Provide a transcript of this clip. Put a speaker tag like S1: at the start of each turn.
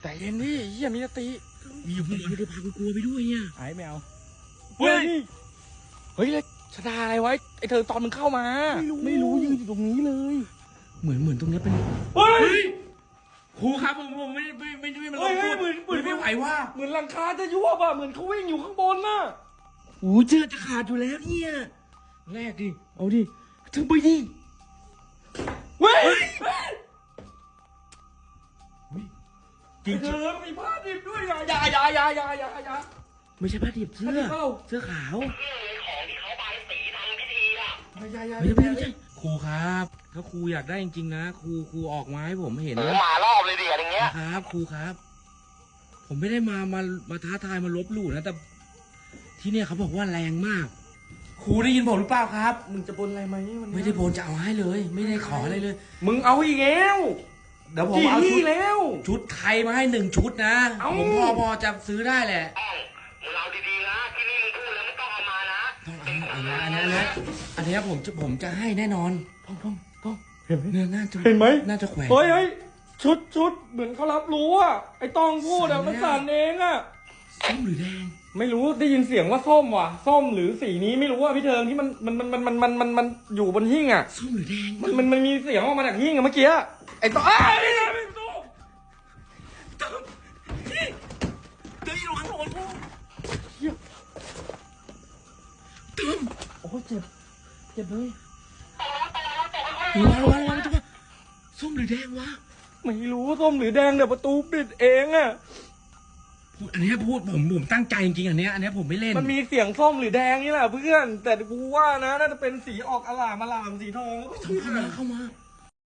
S1: แต่เย็นดิเฮียมีสติ
S2: อย่าพูดไม่ได้พากูกลัวไปด้วยเนี่ย
S1: ไอ้ไม่เอาเฮ้ยเลยชะดาอะไรไว้ไอเธอตอนมึงเข้ามาไม่รู้ยืนอยู่ตรงนี้เลย
S2: เหมือนตรงนี้เป็น
S1: เฮ้ย
S2: ครูครับผมไม่มันลงพูดไม่ไหวว่า
S1: เหมือนหลังคาจะยวบอ่ะเหมือนเขาวิ่งอยู่ข้างบนน่ะ
S2: โอ้เจอจะขาดอยู่แล้วเนี่ยแรกดิเอาดิถึงไปดิ
S1: เฮ้ย
S2: จริง
S1: เธอมีผ้าดิบด้วยอย่า
S2: ไม่ใช่ผ้าดิบเสื้อ
S1: ผ้าดิบเปล่า
S2: เสื้อขาว
S3: ของที่เขาบายสีทำพิธีอ่ะ
S2: ไม่ใช่ครูครับถ้าครูอยากได้จริงๆนะครูออกมาให้ผมเห็นนะ
S3: มารอบเลยดิอย่างเงี้ย
S2: ครับครูครับ ผมไม่ได้มาท้าทายมาลบหลู่นะแต่ที่เนี่ยเขาบอกว่าแรงมากครูได้ยินผมหรือเปล่าครับ
S1: มึงจะบนอะไรไหมวันนี้
S2: ไม่ได้บนจะเอาให้เลย ไม่ได้ขออะไรเลย
S1: มึงเอาอีกแล้ว
S2: เดี๋ยวผมเอา
S1: กี่ที่แล้ว
S2: ชุดไทยมาให้1 ชุดนะ
S1: เอ้า
S2: ผมพอจะซื้อได้แหละ
S3: มึงเอาดีๆนะที่นี่มึงพูดแล้วไม่ต้องเอามานะ
S2: ต้องเอาอันนี้ผมจะให้แน่นอน
S1: ต้องเห็นไหม
S2: เนี่ยน่าจะ
S1: เห็นไหม
S2: น่าจะแขวน
S1: เฮ้ยชุดเหมือนเขารับรู้อ่ะไอ้ตองพูดอ่ะมันสั่นเองอ่ะ
S2: ส้มหรือแดง
S1: ไม่รู้ได้ยินเสียงว่าส้มว่ะส้มหรือสีนี้ไม่รู้ว่าพี่เทิงที่มันอยู่บนหิ้งอ่ะ
S2: ส้มหรือแดง
S1: มันมีเสียงออกมาจากหิ้งอะเมื่อกี้ไอ้ตองนี่ไงพี่ตู้
S2: เดี๋ยวระวังโดนกูตึ้ม
S1: โอ้เจ็บเลย
S2: ระวังจะว่าส้มหรือแดงวะ
S1: ไม่รู้ส้มหรือแดงเดี๋ยวประตูปิดเองอ่ะ
S2: อันนี้พูดผมตั้งใจจริงๆอันนี้ผมไม่เล่น
S1: มันมีเสียงส้มหรือแดงนี่แหละเพื่อนแต่กูว่านะน่าจะเป็นสีออกอลามสีทอง
S2: เข้ามา